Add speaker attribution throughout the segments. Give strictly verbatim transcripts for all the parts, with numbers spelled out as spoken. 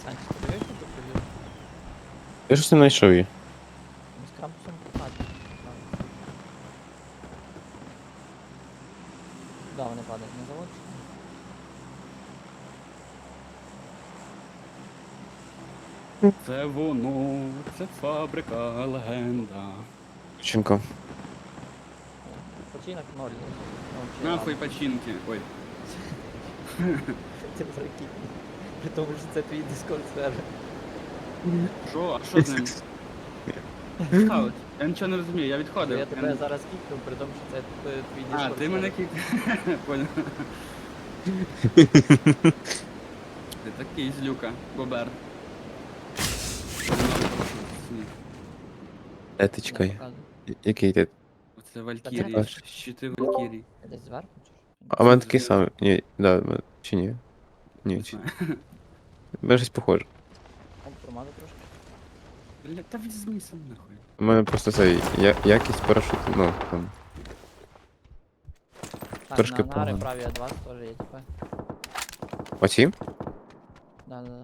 Speaker 1: Санчес, ти дивився тут тобі?
Speaker 2: Я щось не знайшов її.
Speaker 1: З крампусом падає. Да, вони падають на завод.
Speaker 3: Це воно, це фабрика, легенда.
Speaker 2: Дівчинка.
Speaker 1: Починок ноль. Ну, чи
Speaker 3: Нахуй
Speaker 1: ладно.
Speaker 3: починки. Ой.
Speaker 1: Ти прикинь. При тому, що це твій дискорд сервер.
Speaker 3: Що? А що з ним? Сталось? Я нічого не розумію, я
Speaker 1: Що
Speaker 3: відходив.
Speaker 1: я
Speaker 3: Я
Speaker 1: тебе
Speaker 3: не-
Speaker 1: зараз кікну, при тому, що це е, твій
Speaker 3: А,
Speaker 1: дискорд
Speaker 3: ти мене
Speaker 1: сервер.
Speaker 3: кік. Понял. Ти такий злюка, бобер.
Speaker 2: Де ти
Speaker 1: Я
Speaker 2: чекай?
Speaker 1: показую.
Speaker 2: Який ти?
Speaker 3: Оце
Speaker 1: Та
Speaker 3: Валькірії,
Speaker 2: де?
Speaker 3: щити Валькірії.
Speaker 1: Я десь зверху чи що?
Speaker 2: А в мене такий самий. Ні, да, в мене- чи ні?
Speaker 3: Не
Speaker 2: Ні, чи.
Speaker 3: знаю.
Speaker 2: В мене щось похоже.
Speaker 1: О, промазав трошки.
Speaker 3: Бля, та візьми сам нахуй.
Speaker 2: У мене просто цей я, якість парашуту, ну там.
Speaker 1: Так,
Speaker 2: Трошки
Speaker 1: на ангари
Speaker 2: погано.
Speaker 1: праві А два теж є, типа.
Speaker 2: Оці?
Speaker 1: Да, да, да.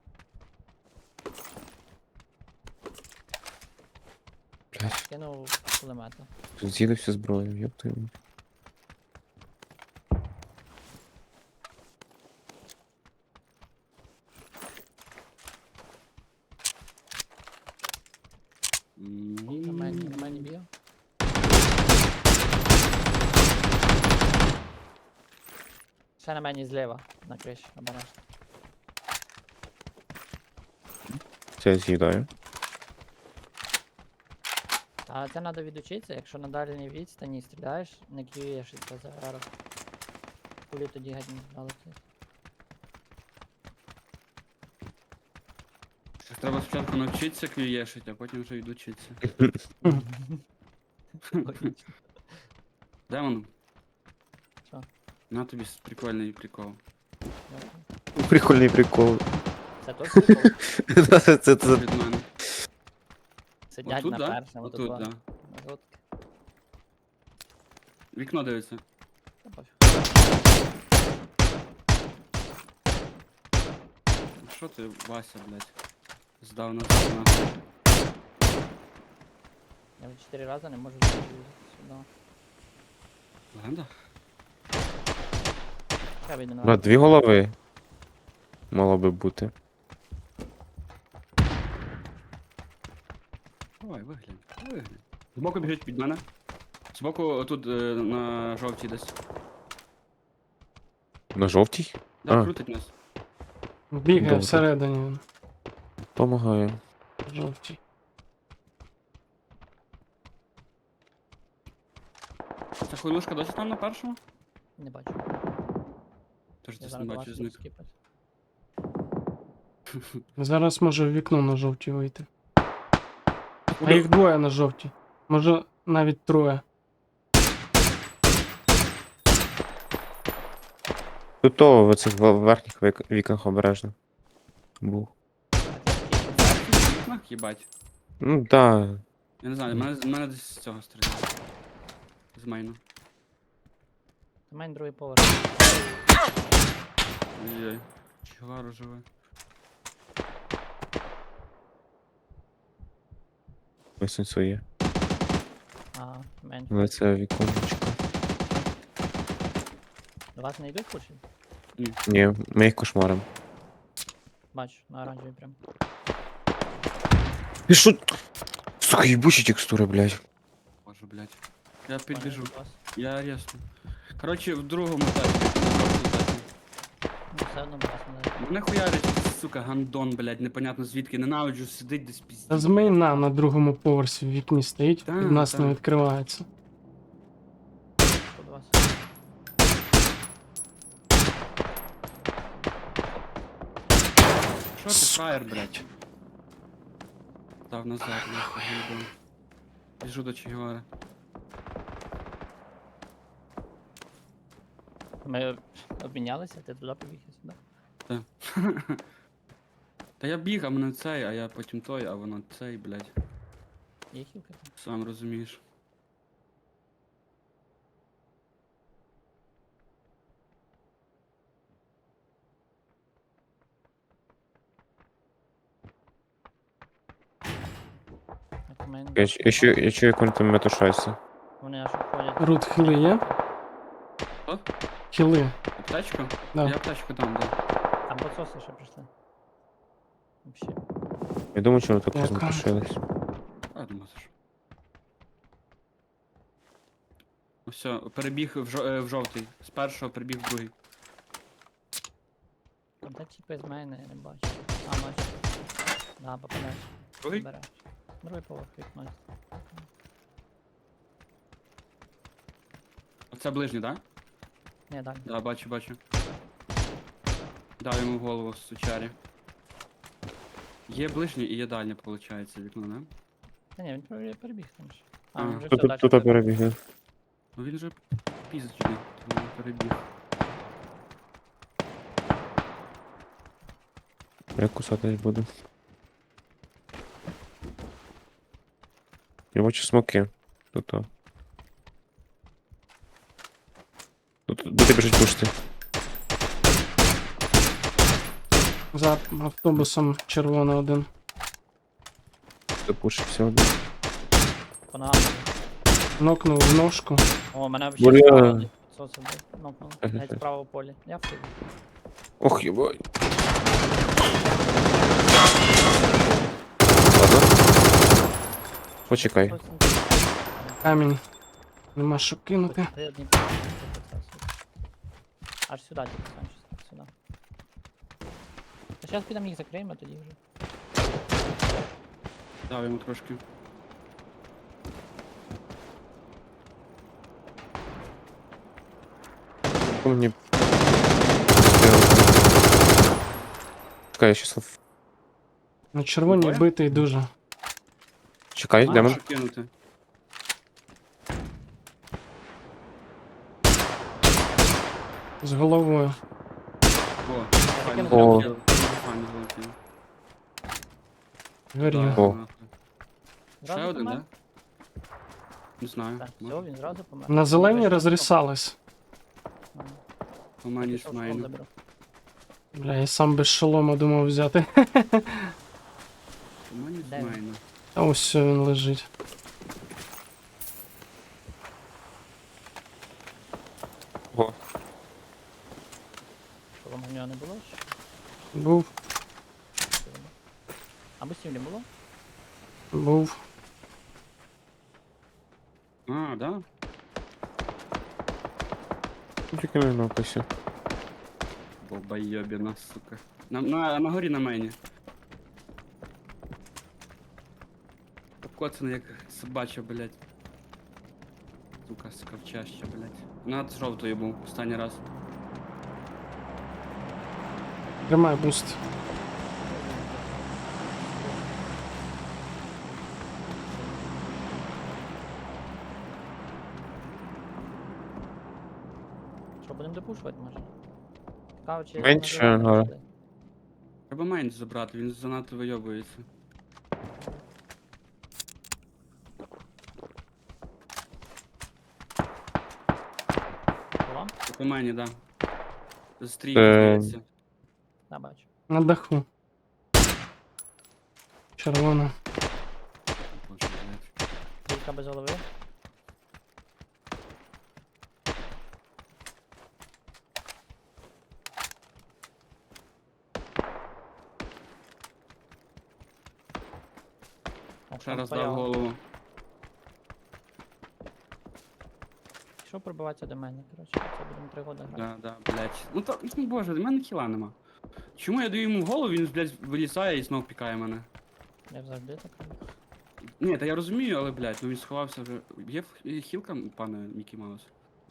Speaker 2: Блядь,
Speaker 1: Кинув кулемета.
Speaker 2: тут з'їли всю зброю, ёб твою. мать.
Speaker 1: На мені, на мені б'є. Ще на мені зліва, на криші, обережно.
Speaker 2: Це я з'їдаю.
Speaker 1: А це треба відучитися, якщо на дальній відстані стріляєш, не к'юєш це за ару. Кулі тоді геть не залетить.
Speaker 3: Щось треба спочатку навчитися квієшити, а потім вже йду вчитися.
Speaker 1: Логічно.
Speaker 3: Демон,
Speaker 1: Що?
Speaker 3: на тобі с- прикольний прикол.
Speaker 1: Дякую.
Speaker 2: Прикольний прикол.
Speaker 1: Це теж прикол.
Speaker 2: Це- це- це- це-
Speaker 3: Від мене.
Speaker 1: Сидять
Speaker 3: Отут,
Speaker 1: на
Speaker 3: да?
Speaker 1: першому,
Speaker 3: Отут,
Speaker 1: тут
Speaker 3: да.
Speaker 1: на жовтки.
Speaker 3: Вікно дивиться.
Speaker 1: Та пофіг.
Speaker 3: Ну що ти, Вася, блядь? Здав нас нахуй.
Speaker 1: Я вже чотири рази не можу зайти сюди.
Speaker 3: Легенда?
Speaker 1: Я вийду на
Speaker 2: На дві голови. Мало би бути.
Speaker 3: Давай, виглянь, виглянь. Збоку біжить під мене. Збоку тут е, на жовтій десь.
Speaker 2: На жовтій?
Speaker 3: Да,
Speaker 2: А.
Speaker 3: крутить нас.
Speaker 4: Бігає
Speaker 2: Добре.
Speaker 4: всередині він.
Speaker 2: Помагаю.
Speaker 4: Жовтій.
Speaker 3: Ця хуйлушка досі там на першому?
Speaker 1: Не бачу.
Speaker 3: Тож
Speaker 1: Я
Speaker 3: десь не
Speaker 1: зараз до вас
Speaker 3: бачу
Speaker 1: буду
Speaker 3: зник.
Speaker 1: скіпати.
Speaker 4: Зараз може в вікно на жовтій вийти. А
Speaker 3: Куди?
Speaker 4: їх двоє на жовтій. Може навіть троє.
Speaker 2: Тут то в цих в- верхніх вік- вікнах обережно. Був.
Speaker 1: А ти який?
Speaker 3: В вікнах, їбать.
Speaker 2: Ну да.
Speaker 3: Я не знаю, мене, мене десь з цього стріляє. З мейну.
Speaker 1: У мене другий поверх.
Speaker 3: Ой-ой. Чигару живе.
Speaker 2: Ось він є.
Speaker 1: А, менше.
Speaker 2: Але це віконечко.
Speaker 1: До вас не йдуть кучі?
Speaker 2: Ні, ми їх кошмаримо.
Speaker 1: Бачу, на оранжевій прям.
Speaker 2: Ти що? Сука, їбучі текстури, блядь.
Speaker 3: Боже, блядь. Я підбіжу.
Speaker 1: Пані, до вас.
Speaker 3: Я рясно. Коротше, в другому етапі. на жовтій етапі.
Speaker 1: Ну, все одно вас не...
Speaker 3: Мене хуярить, сука, гандон, блядь, непонятно звідки. Ненавиджу, сидить десь пізді.
Speaker 4: Та з мейна на другому поверсі в вікні стоїть,
Speaker 3: Та,
Speaker 4: від нас
Speaker 3: та.
Speaker 4: не відкривається.
Speaker 1: Що до вас?
Speaker 3: Що ти, фраєр, блядь? Став назад, нахуй, гандон. Біжу до Чигівара.
Speaker 1: Ми обмінялися, ти туди побіг, я сюди.
Speaker 3: Та. Та я біг, а мене цей, а я потім той, а воно цей, блядь.
Speaker 1: Є хілка там?
Speaker 3: Сам розумієш.
Speaker 1: Мейн
Speaker 2: Я,
Speaker 1: дав.
Speaker 2: ч- я, чую, я чую, як вони там метушаються.
Speaker 1: Вони аж обходять.
Speaker 4: Рут, хіли є?
Speaker 3: Що?
Speaker 4: Хіли.
Speaker 3: Аптечку?
Speaker 4: Да.
Speaker 3: Я аптечку дам, да.
Speaker 1: Там подсоси ще прийшли. Вообще.
Speaker 2: Я думаю, чому так
Speaker 4: Дякую.
Speaker 2: розметушились.
Speaker 3: А, думаю, це ж. Ну все, перебіг в, жо- е, в жовтий. З першого перебіг в другий.
Speaker 1: Там та типи з мене, я не бачу. А, бачу. Да, попадаєш.
Speaker 3: Другий?
Speaker 1: Береш. Другий поверх вікно.
Speaker 3: Оце ближній, так? Да?
Speaker 1: Ні, далі.
Speaker 3: Да, бачу, бачу. Дав йому в голову з сучарі. Є ближній і є дальнє, виходить, вікно, не?
Speaker 1: Та ні, він пере- перебіг там ж. А,
Speaker 3: А,
Speaker 1: він вже
Speaker 2: Тут,
Speaker 1: все,
Speaker 2: тут,
Speaker 1: далі.
Speaker 2: тут перебігли.
Speaker 3: Ну він же пізичний, тому перебіг.
Speaker 2: Я кусатись буду. Я бачу смоки. Тут. о. Тут, тут біжить пушти.
Speaker 4: За автобусом червоний один.
Speaker 2: Запушився один.
Speaker 1: По ногам.
Speaker 4: Нокнув в ножку.
Speaker 1: О, мене
Speaker 2: Бля.
Speaker 1: взагалі справа соси нокнули.
Speaker 2: Ага.
Speaker 1: Навіть справа в полі. Я в полі.
Speaker 2: Ох, єбай. Ладно. Почекай.
Speaker 4: Камінь. Нема що кинути.
Speaker 1: Аж сюди, тільки Санчес, сюди. Та зараз підемо їх закриємо, а тоді вже.
Speaker 3: Дав йому трошки.
Speaker 2: Хто мені... Чекай, я щас...
Speaker 4: На червоній
Speaker 3: Двоє?
Speaker 4: битий дуже.
Speaker 2: Чекай,
Speaker 1: А,
Speaker 2: демон.
Speaker 3: Що кинути?
Speaker 4: З головою.
Speaker 3: О,
Speaker 1: кинув
Speaker 3: файно
Speaker 2: О.
Speaker 3: залетів. Файно залетів.
Speaker 4: Горів.
Speaker 2: О.
Speaker 3: нахуй. Ще
Speaker 1: Зразу
Speaker 3: один,
Speaker 1: помер?
Speaker 3: да? Не знаю.
Speaker 1: Так,
Speaker 3: може.
Speaker 1: все, він зразу помер.
Speaker 4: На зелені
Speaker 1: Бачиш,
Speaker 4: розрісались.
Speaker 1: що?
Speaker 3: У мене
Speaker 1: Пішов, школ
Speaker 3: смайно.
Speaker 1: заберу.
Speaker 4: Бля, я сам без шолома думав взяти.
Speaker 3: У мене
Speaker 1: Де він?
Speaker 3: смайно.
Speaker 4: А ось все, він лежить.
Speaker 2: Ого.
Speaker 1: Що вам у нього не було? Чи
Speaker 4: Був,
Speaker 1: що було? А бустів не було?
Speaker 4: був.
Speaker 3: А, да?
Speaker 2: Тільки не написі.
Speaker 3: Бобайобіна, сука. На, на, на горі на мені. Обкоцаний як собача, блядь. Сука, скавчаща, блядь. Над жовтою був останній раз.
Speaker 4: Тримай буст.
Speaker 1: Що, будемо допушувати, може? Цікаво, чи
Speaker 2: Менше,
Speaker 1: на зелену
Speaker 2: але-
Speaker 1: пішли?
Speaker 3: Треба мейн забрати, він занадто вийобується.
Speaker 1: По вам?
Speaker 3: По мені, да. Стрійки,
Speaker 2: Е,
Speaker 3: здається.
Speaker 1: Да, бачу.
Speaker 4: На даху. Червона.
Speaker 3: Боже, блядь.
Speaker 1: Бійка без голови. О,
Speaker 3: Ще
Speaker 1: там
Speaker 3: раз дав
Speaker 1: стояв.
Speaker 3: голову.
Speaker 1: Пішов пробиватися до мене, коротше. Це будемо три года грати.
Speaker 3: Да, да, блядь. Ну то, ну боже, в мене хіла нема. Чому я даю йому в голову, він, блядь, вилізає і знов пікає мене.
Speaker 1: Я завжди так роблю.
Speaker 3: Ні, та я розумію, але, блядь, ну він сховався вже. Є в- хілка, пане Мікі Маус?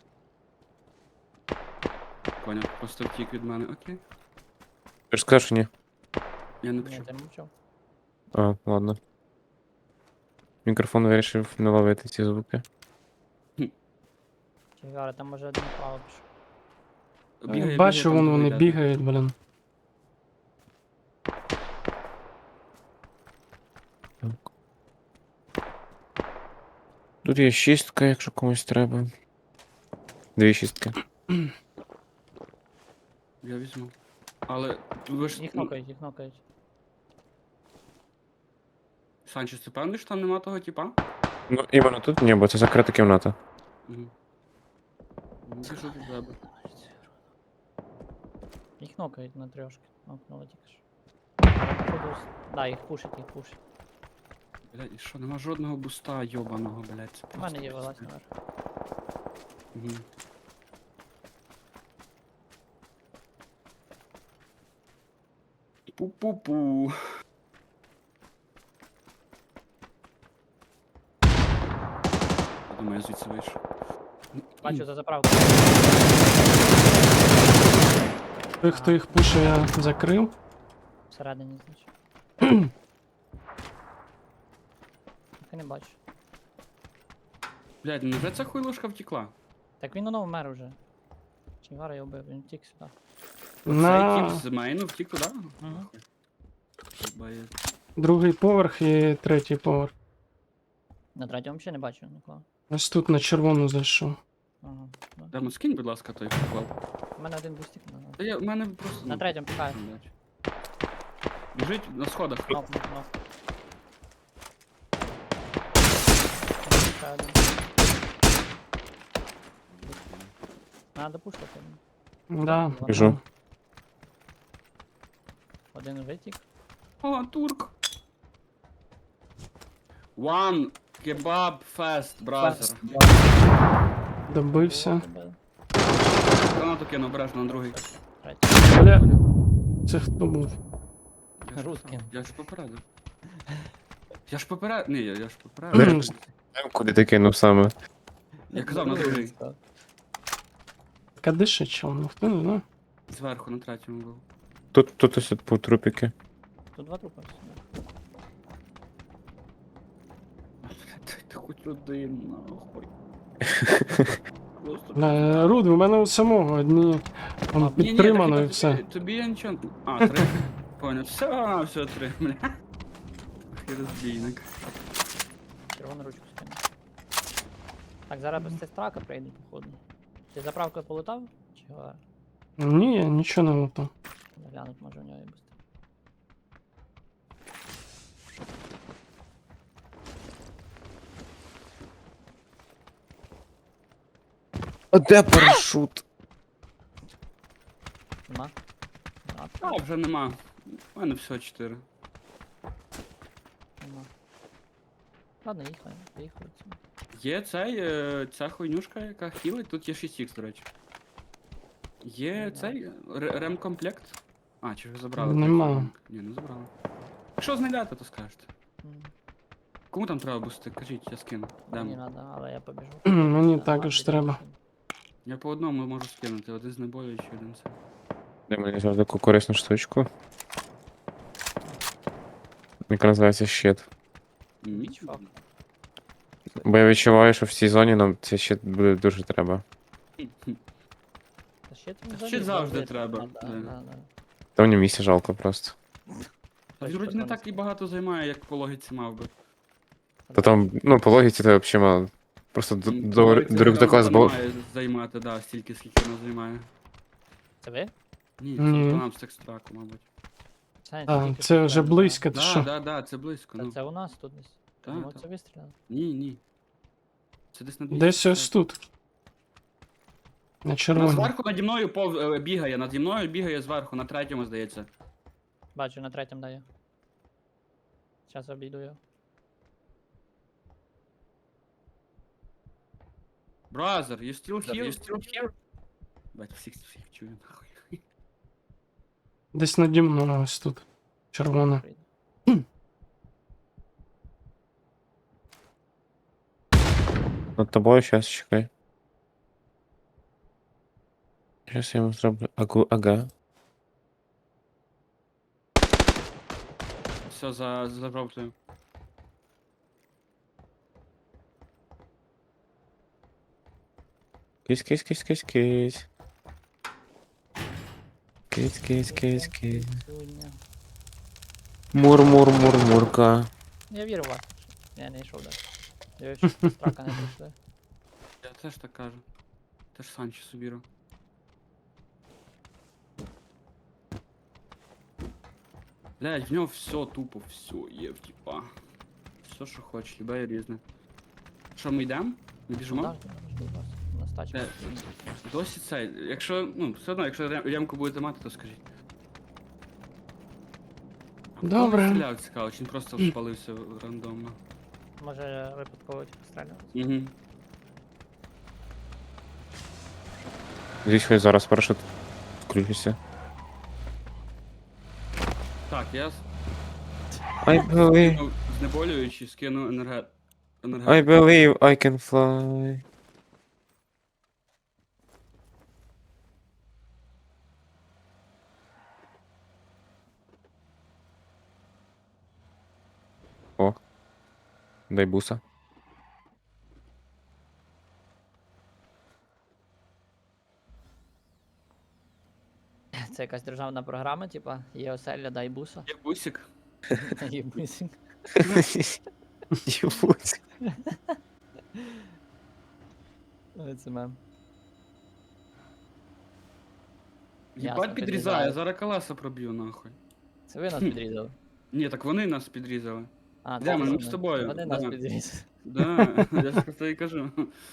Speaker 3: Поняв, просто втік від мене, окей.
Speaker 2: Ти ж сказав, що ні.
Speaker 3: Я не
Speaker 1: Ні,
Speaker 3: почув.
Speaker 1: ти мовчав.
Speaker 2: А, ладно. Мікрофон вирішив не ловити ці звуки.
Speaker 1: Чигара, там може один плавав пішов.
Speaker 3: Бігає,
Speaker 4: Бачу,
Speaker 3: бігає,
Speaker 4: вон
Speaker 3: там
Speaker 4: вони
Speaker 3: другий йде.
Speaker 4: бігають, блін.
Speaker 2: Тут є шістка, якщо комусь треба. Дві шістки.
Speaker 3: Я візьму. Але ви ж.
Speaker 1: Їх
Speaker 3: ну,
Speaker 1: нокають, їх нокають.
Speaker 3: Санчес, ти певний, що там нема того типа?
Speaker 2: Ну, іменно тут ні, бо це закрита кімната.
Speaker 3: Угу. Біжу до тебе.
Speaker 1: Їх нокають на трьошки. Нокнули тільки що. Походу, с- Да, їх пушить, їх пушить.
Speaker 3: Блядь, і що, нема жодного буста йобаного, блядь. Це
Speaker 1: У мене є
Speaker 3: просто
Speaker 1: вилазь
Speaker 3: пиздец.
Speaker 1: наверх.
Speaker 3: Угу. Пу-пу-пу. Думаю, я звідси вийшов.
Speaker 1: Бачу за заправку.
Speaker 4: Той, хто їх пише, я закрив.
Speaker 1: Всередині, значить. Так і не бачу.
Speaker 3: Блядь, ну вже ця хуйлушка втекла.
Speaker 1: Так він воно вмер уже. Чигара його вбив, він втік сюди.
Speaker 3: Цей
Speaker 4: На
Speaker 3: тип з мейну втік туди?
Speaker 1: Мгм.
Speaker 3: Бає.
Speaker 4: другий поверх і третій поверх.
Speaker 1: На третьому взагалі не бачу нікого.
Speaker 4: Ось тут на червону зайшов.
Speaker 1: Ага. да.
Speaker 3: Демо, скинь, будь ласка, той поклав.
Speaker 1: У мене один бустик на.
Speaker 3: Та я, в мене просто...
Speaker 1: На
Speaker 3: ну,
Speaker 1: третьому пікаю.
Speaker 3: блядь. Біжить на сходах.
Speaker 1: Нок, нок, нок. Ще один. Надо пушити.
Speaker 4: Да.
Speaker 2: Біжу.
Speaker 1: Один витік.
Speaker 3: О, турк. One kebab fast, brother.
Speaker 4: Добився.
Speaker 3: Гранату кину, обережно на другий.
Speaker 1: Третій.
Speaker 4: Бля, це хто був?
Speaker 3: Я ж
Speaker 1: Русський.
Speaker 3: казав, Я ж попередив. Я ж попередив. Ні, я, я ж попередив.
Speaker 2: Куди ти кинув саме?
Speaker 3: Я казав на другий.
Speaker 4: Кадиша чел, ну хто не знає.
Speaker 3: Зверху на третьому був.
Speaker 2: Тут, тут ось по трупіки.
Speaker 1: Тут два трупи.
Speaker 3: Ти, ти хоч один, нахуй. Просто...
Speaker 4: Бля, Руд, у мене у самого одні там
Speaker 3: Ні, ні,
Speaker 4: підтримано
Speaker 3: так
Speaker 4: і
Speaker 3: тобі-
Speaker 4: все.
Speaker 3: Тобі я нічого... А, три. Понял. Все, все, три, бля. Ах, і розбійник.
Speaker 1: Червону ручку скину. Так, зараз без цей страка прийде, походу. Ти заправкою полутав? Чи го-
Speaker 4: Ні, я нічого не лутав.
Speaker 1: глянуть може у нього і бусти.
Speaker 2: А де парашут?
Speaker 1: Нема? Нема.
Speaker 3: А, вже нема. У мене всього чотири.
Speaker 1: Нема. Ладно, їхали, поїхали. отсюди.
Speaker 3: Є цей, е, ця хуйнюшка, яка хілить, тут є шість ікс, до речі. Є
Speaker 1: Нема.
Speaker 3: цей ре- ремкомплект. А, чи ви забрали?
Speaker 4: Нема.
Speaker 3: той? Ні, не забрали. Якщо знайдете, то скажете.
Speaker 1: М,
Speaker 3: Кому там треба бусти? Кажіть, я скину.
Speaker 1: Мені
Speaker 3: Демо.
Speaker 1: надо, але я побіжу.
Speaker 4: Мені
Speaker 1: Та,
Speaker 4: також
Speaker 1: ладно,
Speaker 4: треба.
Speaker 1: піду.
Speaker 3: Я по одному можу скинути, один з набою, чи один це.
Speaker 2: Де мені завжди таку корисну штучку. Яка називається щит.
Speaker 3: М.
Speaker 1: Бічфак.
Speaker 2: Бо я відчуваю, що в цій зоні нам цей щит буде дуже треба.
Speaker 1: Та ще там
Speaker 3: Та
Speaker 1: взагалі
Speaker 3: ще завжди треба,
Speaker 1: Да,
Speaker 3: да.
Speaker 1: да, да.
Speaker 2: Та мені місця жалко просто.
Speaker 3: Та він вроді не так і багато займає, як по логіці мав би.
Speaker 2: Та там, ну, по логіці це взагалі мало. Просто д-
Speaker 3: М,
Speaker 2: до,
Speaker 3: логіці
Speaker 2: до рюкзака
Speaker 3: там
Speaker 2: з бо...
Speaker 3: має займати, да, стільки, скільки воно займає.
Speaker 1: Це ви?
Speaker 3: Ні,
Speaker 4: Ні.
Speaker 3: це нам з екстраку, мабуть.
Speaker 1: Це,
Speaker 4: А,
Speaker 1: тільки
Speaker 4: це
Speaker 1: що
Speaker 4: вже
Speaker 1: прямо,
Speaker 4: близько, ти
Speaker 3: Да,
Speaker 4: що?
Speaker 3: да, да, це близько,
Speaker 1: да.
Speaker 3: ну.
Speaker 1: Та це у нас тут десь.
Speaker 3: Та,
Speaker 1: Ну,
Speaker 3: та.
Speaker 1: це вистріляли.
Speaker 3: Ні, ні. Це десь на
Speaker 4: Десь ось тут. На
Speaker 3: Вона
Speaker 4: червоній.
Speaker 3: зверху наді мною пов... е, бігає, наді мною бігає зверху, на третьому, здається.
Speaker 1: Бачу, на третьому даю. Зараз обійду його.
Speaker 3: Brother, you still here? You still here? Бать, всіх всіх чую, нахуй.
Speaker 4: Десь наді мною ось тут. Червона.
Speaker 1: Прийду.
Speaker 2: Над тобою щас чекай. Щас я йому зроблю. Агу, ага.
Speaker 3: Все, за, за жовтою.
Speaker 2: Кись, кись, кись, кись, кись. Кись, кись, кись, кись.
Speaker 1: Сьогодні.
Speaker 2: Мур, мур, мур, мурка.
Speaker 1: Я вірю в вас. Я не йшов далі. Я ще страка не прийшли.
Speaker 3: Я теж так кажу. Теж Санчі собіру. Блять, в нього все тупо, все є в типа. все, що хочеш, любе і різне. Що, ми йдемо? Ми біжимо?
Speaker 1: Так, так, жди вас. У нас тачка.
Speaker 3: Е, Досі цей. Якщо, ну, все одно, якщо рем- ямку будете мати, то скажіть. Хто
Speaker 4: Добре.
Speaker 3: стріляв, цікаво, чи він просто спалився рандомно.
Speaker 1: Може випадково типу стріляти.
Speaker 3: Угу.
Speaker 2: Здесь хоч зараз парашут включиться.
Speaker 3: Так, я с-
Speaker 2: I believe,
Speaker 3: ну, знеболюючи, скину енерге...
Speaker 2: I
Speaker 3: енергетику.
Speaker 2: believe I can fly. О. Дай буса.
Speaker 1: Це якась державна програма, типа, є оселя, дай буса.
Speaker 3: Є бусик.
Speaker 1: Є бусик.
Speaker 2: Ебуть.
Speaker 1: Ой, Це мем.
Speaker 3: Єбать
Speaker 1: Ясно,
Speaker 3: підрізає,
Speaker 1: підрізає.
Speaker 3: я зараз колеса проб'ю нахуй.
Speaker 1: Це ви нас підрізали.
Speaker 3: Ні, так вони нас підрізали.
Speaker 1: А,
Speaker 3: Де
Speaker 1: це
Speaker 3: ми? Ми
Speaker 1: вони.
Speaker 3: з тобою.
Speaker 1: Вони нас
Speaker 3: Да.
Speaker 1: підрізали.
Speaker 3: Да, я ж про це і кажу.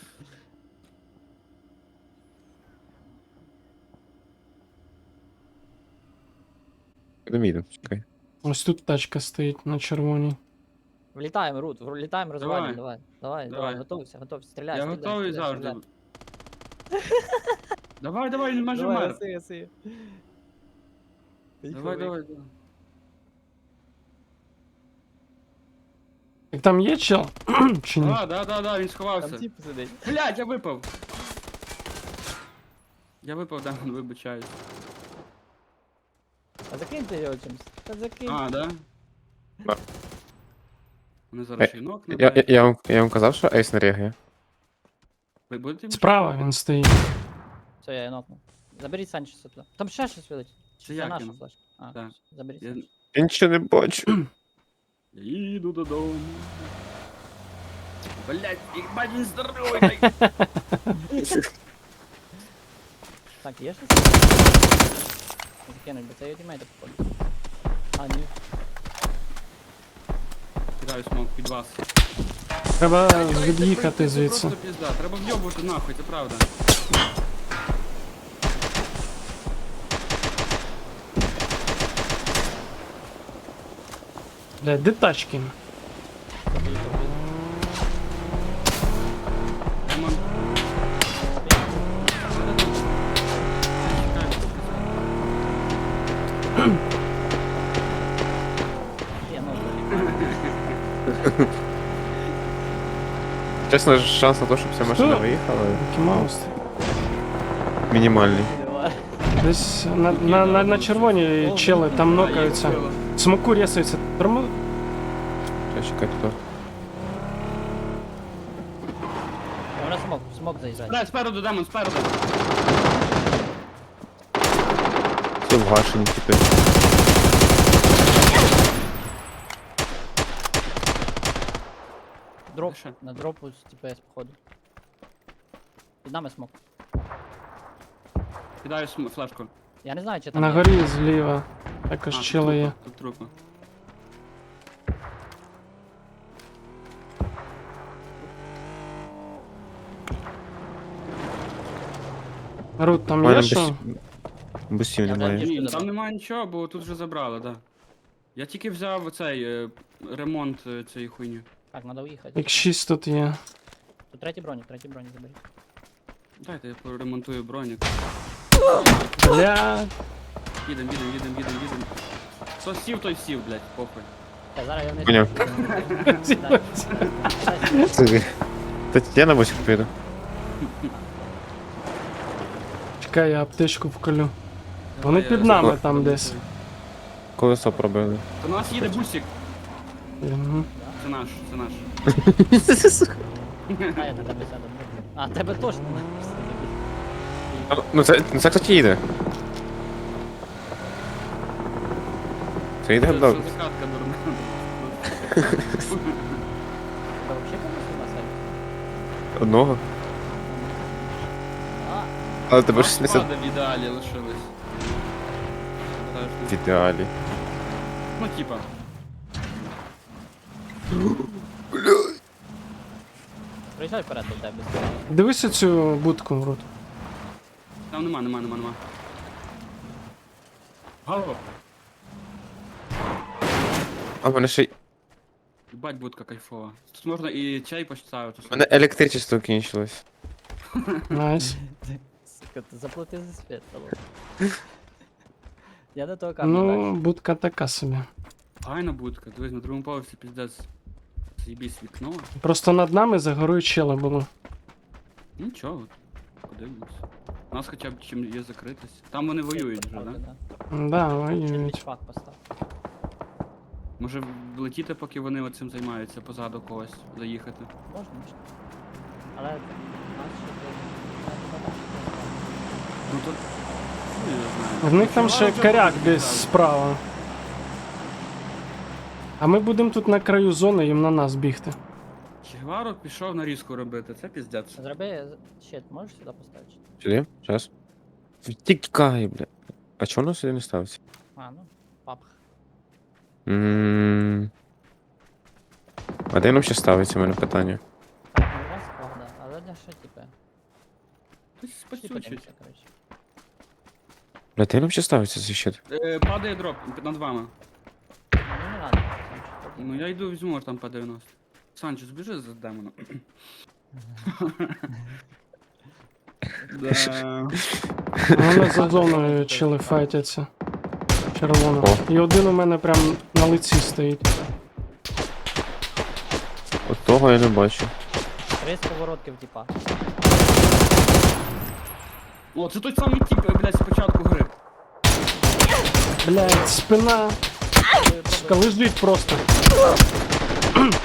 Speaker 2: Доміду, чекай.
Speaker 4: Ось тут тачка стоїть на червоній.
Speaker 1: Влітаємо, Рут, влітаємо, розвалюємо, давай. Давай, давай,
Speaker 3: Давай.
Speaker 1: готовься, готовься, стріляй,
Speaker 3: Я
Speaker 1: стріляй,
Speaker 3: готовий
Speaker 1: стріляй,
Speaker 3: завжди.
Speaker 1: стріляй.
Speaker 3: Давай, давай, майже
Speaker 1: Давай,
Speaker 3: мер.
Speaker 1: гаси, гаси.
Speaker 3: Давай, давай, давай.
Speaker 4: Так там є чел? Чи ні?
Speaker 3: Да, да, да, да, він
Speaker 1: Там
Speaker 3: сховався.
Speaker 1: тип сидить.
Speaker 3: Блять, я випав. Я випав, да, вибачаюсь.
Speaker 1: А закиньте його чимось. Та закинь.
Speaker 3: А, да?
Speaker 2: Да.
Speaker 3: Вони зараз ще й ног
Speaker 2: Я, я,
Speaker 3: набирають.
Speaker 2: я, вам, я вам казав, що ейс не реагує.
Speaker 3: Ви будете?
Speaker 4: Справа він стоїть.
Speaker 1: Все, я її нокнув. Заберіть Санчеса туди. Там ще щось вилить. Чи
Speaker 3: Це
Speaker 1: Це
Speaker 3: я
Speaker 1: наша
Speaker 3: кинув.
Speaker 1: флешка. А,
Speaker 3: Так.
Speaker 1: все, заберіть
Speaker 3: Я...
Speaker 1: Санчеса.
Speaker 2: Я нічого не бачу.
Speaker 3: я їду додому. Блять, їбать він здоровий.
Speaker 1: Так, є щось? Закинуть, бо це його тімейти походу. А, ні.
Speaker 3: Кидаю смок під вас.
Speaker 4: Треба
Speaker 3: Це
Speaker 4: від'їхати звідси.
Speaker 3: просто пізда, треба вйобувати нахуй, це правда.
Speaker 4: Блядь, де тачки?
Speaker 3: Роман.
Speaker 1: Є, ну, блін.
Speaker 2: Чесно, шанс на те, щоб ця машина
Speaker 4: Що?
Speaker 2: виїхала,
Speaker 4: Який маус?
Speaker 2: мінімальний.
Speaker 1: Давай.
Speaker 4: Десь на, на, на, на червоній чели там нокаються. Смоку рісаються. Тормо...
Speaker 2: Сейчас чекай тут.
Speaker 1: А вона смок, смок заїжджає.
Speaker 3: Дай, спереду, Демон, спереду.
Speaker 2: Все вгашені, типи.
Speaker 1: Дроп,
Speaker 3: Ще.
Speaker 1: на дропу з ТПС, походу. Під нами смок.
Speaker 3: Кидаю см- флешку.
Speaker 1: Я не знаю, чи там
Speaker 4: На
Speaker 1: є.
Speaker 4: горі зліва.
Speaker 3: А,
Speaker 4: Також
Speaker 3: тут
Speaker 4: чели є.
Speaker 3: трупа, тут трупа.
Speaker 4: Рут, там
Speaker 2: У мене
Speaker 4: є що?
Speaker 2: бус- бусів
Speaker 1: Я
Speaker 2: немає.
Speaker 1: навіть-
Speaker 3: Ні,
Speaker 1: забрав.
Speaker 3: там немає нічого, бо тут вже забрали, да. Я тільки взяв цей е, ремонт е, цієї хуйні.
Speaker 1: Так, треба уїхати.
Speaker 4: Як шість тут є.
Speaker 1: Тут третій бронік, третій бронік заберіть.
Speaker 3: Дайте я поремонтую бронік.
Speaker 4: Бля.
Speaker 3: Їдем, їдем, їдем, їдем, їдем. Хто сів, той сів, блядь, похуй.
Speaker 1: Та зараз я вниз.
Speaker 2: Поняв.
Speaker 1: Дай. Дай.
Speaker 2: Це- Та я на бусик піду.
Speaker 4: Чекай, я аптечку вколю. Вони
Speaker 3: Давай, я
Speaker 4: під нами
Speaker 3: заберу,
Speaker 4: там
Speaker 3: ремонтую.
Speaker 4: десь.
Speaker 2: Колесо пробили.
Speaker 3: Це у нас їде бусик.
Speaker 4: Мгм.
Speaker 3: Це наш, це наш.
Speaker 1: А, я на тебе сяду. А, тебе точно не
Speaker 2: А, Ну це, ну це, кстати, їде. Це йде
Speaker 3: Це
Speaker 2: блок.
Speaker 3: що закатка дурна.
Speaker 1: Та вообще комусь на сайті?
Speaker 2: Одного.
Speaker 1: А,
Speaker 2: Але тебе
Speaker 3: Два
Speaker 2: ж не
Speaker 3: склади в ідеалі лишились. Так,
Speaker 2: в ідеалі.
Speaker 3: ну типа.
Speaker 1: Приїжджай вперед до тебе.
Speaker 4: Дивися цю будку, Рут.
Speaker 3: Там нема, нема, нема, нема. Голова.
Speaker 2: А в мене ще й.
Speaker 3: Бать, будка кайфова. Тут можна і чай поставити.
Speaker 2: У мене електричество кінчилось.
Speaker 4: Найс.
Speaker 1: Сука, ти заплати за світ, алло. Я до того камня
Speaker 4: Ну,
Speaker 1: дальше.
Speaker 4: будка така собі.
Speaker 3: Файна будка. Дивись, на другому поверсі піздець. З'їбісь вікно.
Speaker 4: Просто над нами за горою чели було.
Speaker 3: Нічого. Подивимось. У нас хоча б чим є закритись. Там вони воюють вже,
Speaker 1: Правда,
Speaker 3: да?
Speaker 1: да?
Speaker 4: Да,
Speaker 1: Чи
Speaker 4: воюють.
Speaker 1: бічпак постав.
Speaker 3: Може влетіти, поки вони оцим займаються, позаду когось заїхати.
Speaker 1: Можна, можна. Але нас ще тут...
Speaker 3: Ну тут. Ну, я знаю.
Speaker 4: В них там ще
Speaker 3: Чувак,
Speaker 4: коряк
Speaker 3: вже
Speaker 4: десь
Speaker 3: буде
Speaker 4: справа. А ми будемо тут на краю зони, їм на нас бігти.
Speaker 3: Чигваро пішов нарізку робити, це піздець.
Speaker 1: Зроби щит, можеш сюди поставити?
Speaker 2: Сюди? Зараз. Втікай, бля. А чого воно сюди не ставиться?
Speaker 1: А, ну, папах.
Speaker 2: Ммм. А де воно ще ставиться, у мене питання?
Speaker 1: Так, не раз правда, але для що, типу?
Speaker 3: Хтось
Speaker 1: Всі
Speaker 3: спасючить.
Speaker 1: подивимося, коротше.
Speaker 2: Бля, де воно ще ставиться цей щит?
Speaker 3: Е, падає дроп над вами.
Speaker 1: Ну, не надо, Санчо, тоді.
Speaker 3: Ну я йду візьму аж там по дев'яносто. Санчо, збіжи за демоном. Да.
Speaker 4: Вони за зоною чили файтяться. Червоно.
Speaker 2: О.
Speaker 4: І один у мене прям на лиці стоїть.
Speaker 2: От того я не бачу.
Speaker 1: Три сковородків, типа.
Speaker 3: О, це той самий тип, блядь, спочатку гри.
Speaker 4: Блять, спина.
Speaker 1: Пробуй,
Speaker 4: Сука,
Speaker 1: пробуй.
Speaker 4: лежить просто.
Speaker 1: Нок.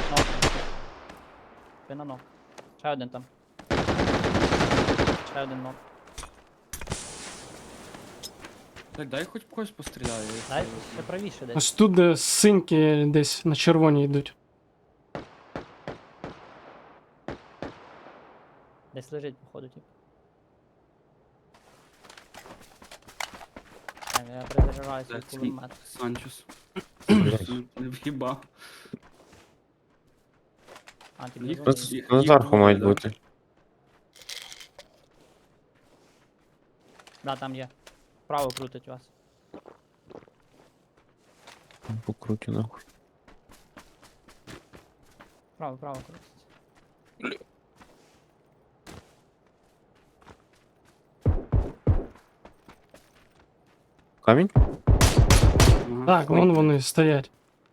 Speaker 1: Спина нок. Ще один там. Ще один нок.
Speaker 3: Так, дай хоч когось постріляю.
Speaker 1: Дай ще правіше десь.
Speaker 4: Ось тут де синьки десь на червоні йдуть.
Speaker 1: Десь лежить, походу, тип. Так, я перезаряджаю свій
Speaker 3: Так, свій
Speaker 1: кулемет.
Speaker 3: Санчос.
Speaker 2: Блядь.
Speaker 3: Не в'їбав.
Speaker 1: А, ти
Speaker 3: Їх
Speaker 1: не
Speaker 3: просто-
Speaker 1: зрозумів.
Speaker 3: Їх-
Speaker 2: На
Speaker 3: їх
Speaker 2: зверху
Speaker 3: двоє,
Speaker 2: мають
Speaker 3: да.
Speaker 2: бути.
Speaker 1: Да, там є. Вправо крутить вас.
Speaker 2: Покрутю нахуй.
Speaker 1: Вправо, вправо крутить.
Speaker 2: Камінь?
Speaker 3: Ага.
Speaker 4: Так, вон вони стоять.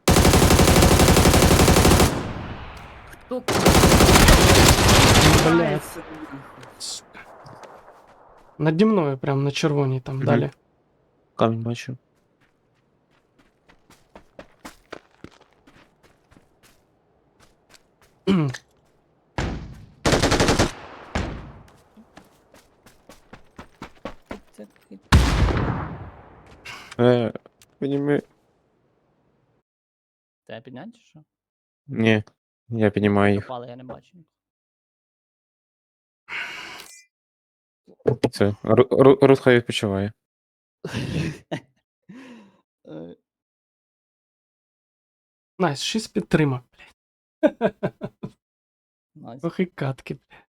Speaker 3: Хто
Speaker 4: Блять.
Speaker 3: це?
Speaker 4: Наді мною прям на червоній там
Speaker 2: Мгм.
Speaker 4: далі.
Speaker 2: Камінь бачу.
Speaker 1: Це хит.
Speaker 2: Е, підніми.
Speaker 1: Тебе підняти чи що?
Speaker 2: Ні. Я піднімаю їх.
Speaker 1: Попали, я не бачу.
Speaker 2: Це. Ру- Ру- Рут хай відпочиває.
Speaker 1: Е,
Speaker 4: Найс, шість підтримок.
Speaker 1: Найс.
Speaker 4: Ох і катки.